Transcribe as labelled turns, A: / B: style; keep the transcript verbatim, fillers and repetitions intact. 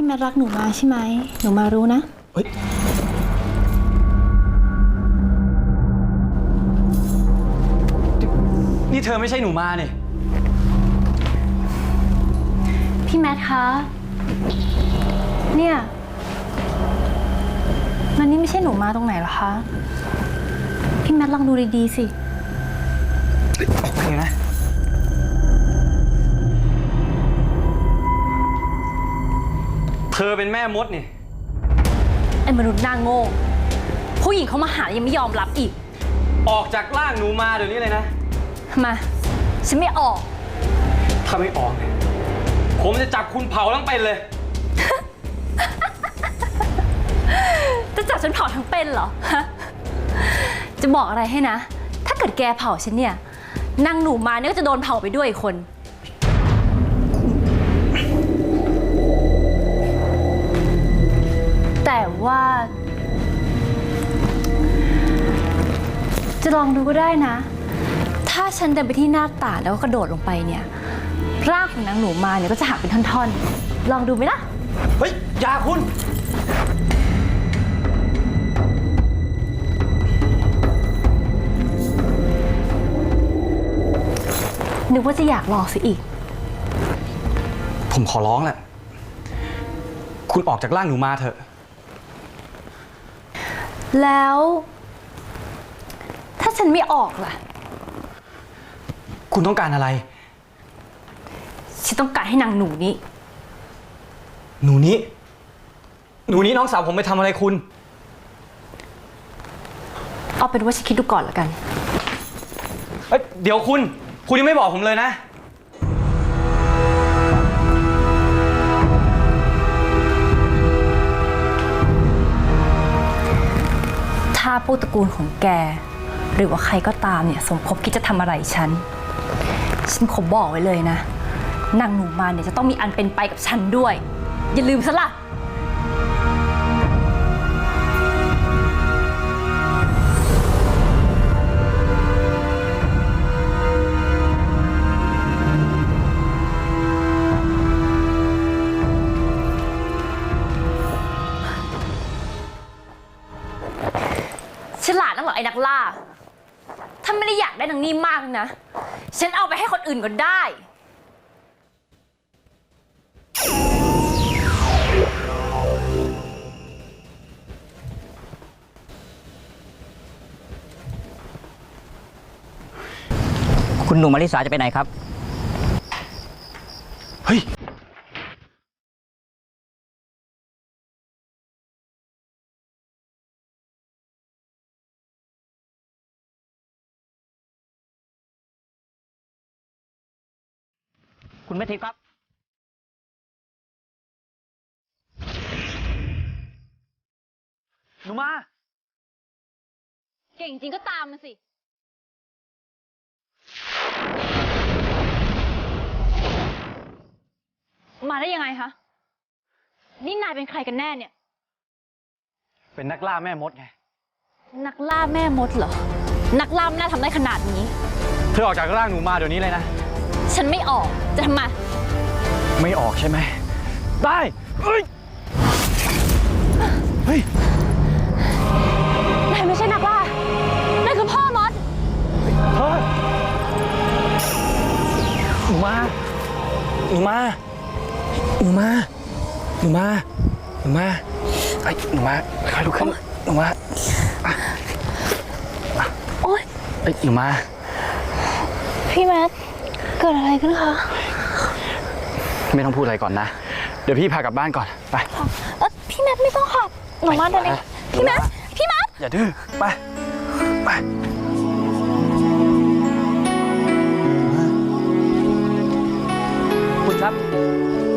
A: แมทรักหนูมาใช่ไหมหนูมารู้นะ
B: เฮ้ยนี่เธอไม่ใช่หนูมาเนี่ย
A: พี่แมทคะเนี่ยมันนี่ไม่ใช่หนูมาตรงไหนหรอคะพี่แมทลองดูดีๆสิ
B: โอเคนะเธอเป็นแม่มดนี่
A: ไอ้มนุษย์หน้าโง่ผู้หญิงเขามาหายังไม่ยอมรับอีก
B: ออกจากร่างหนูมาเดี๋ยวนี้เลยนะ
A: มาฉันไม่ออก
B: ถ้าไม่ออกเนี่ยผมจะจับคุณเผาทั้งเป็นเลย
A: จะจับฉันเผาทั้งเป็นเหรอฮะจะบอกอะไรให้นะถ้าเกิดแกเผาฉันเนี่ยนางหนูมาเนี่ยก็จะโดนเผาไปด้วยอีกคนแต่ว่าจะลองดูก็ได้นะถ้าฉันเดินไปที่หน้าต่างแล้วก็กระโดดลงไปเนี่ยร่างของนางหนูมาเนี่ยก็จะหักเป็นท่อนๆลองดูไหมล่ะ
B: เฮ้ยอย่าคุณ
A: นึกว่าจะอยากลองสิอีก
B: ผมขอร้องแหละคุณออกจากร่างหนูมาเถอะ
A: แล้วถ้าฉันไม่ออกล่ะ
B: คุณต้องการอะไร
A: ฉันต้องการให้นางหนูนี้
B: หนูนี้หนูนี้น้องสาวผมไปทำอะไรคุณ
A: เอาเป็นว่าฉันคิดดูก่อนละกัน
B: เอ้ยเดี๋ยวคุณคุณยังไม่บอกผมเลยนะ
A: ถ้าพวกตระกูลของแกหรือว่าใครก็ตามเนี่ยสมคบคิดจะทำอะไรฉันฉันขอบอกไว้เลยนะนางหนูมาเนี่ยจะต้องมีอันเป็นไปกับฉันด้วยอย่าลืมซะล่ะฉลาดนักเหรอไอ้นักล่าถ้าไม่ได้อยากได้นางนี่มากนะฉันเอาไปให้คนอื่นก็ได้
C: คุณหนูมาริสาจะไปไหนครับ
B: เฮ้ย
C: คุณแม่ทิพย์ครับ
B: หนูมา
A: เก่งจริงก็ตามมาสิมาได้ยังไงคะนี่นายเป็นใครกันแน่เนี่ย
B: เป็นนักล่าแม่มดไง
A: นักล่าแม่มดเหรอนักล่าน่าทำได้ขนาดนี้
B: เธอออกจากร่างหนูมาเดี๋ยวนี้เลยนะ
A: ฉันไม่ออกจะทำไม
B: ไม่ออกใช่ไหมได้เฮ้ยเฮ้ย
A: นายไม่ใช่นักล่านายคือพ่อมด
B: เฮ้ยหนูมาหนูมาหนูมาหนูมาหนูมาไอ้หนูมาใครลุกขึ้นหนูมา
A: โอ๊ย
B: ไอ้หนูมา
A: พี่แมทเกิดอะไรขึ้นคะ
B: ไม่ต้องพูดอะไรก่อนนะเดี๋ยวพี่พากลับบ้านก่อนไป
A: เออพี่แมทไม่ต้องค่ะหนูมาเดี๋ยวนี้พี่แมทพี่แมท
B: อย่าดื้อไปไปคุณครับ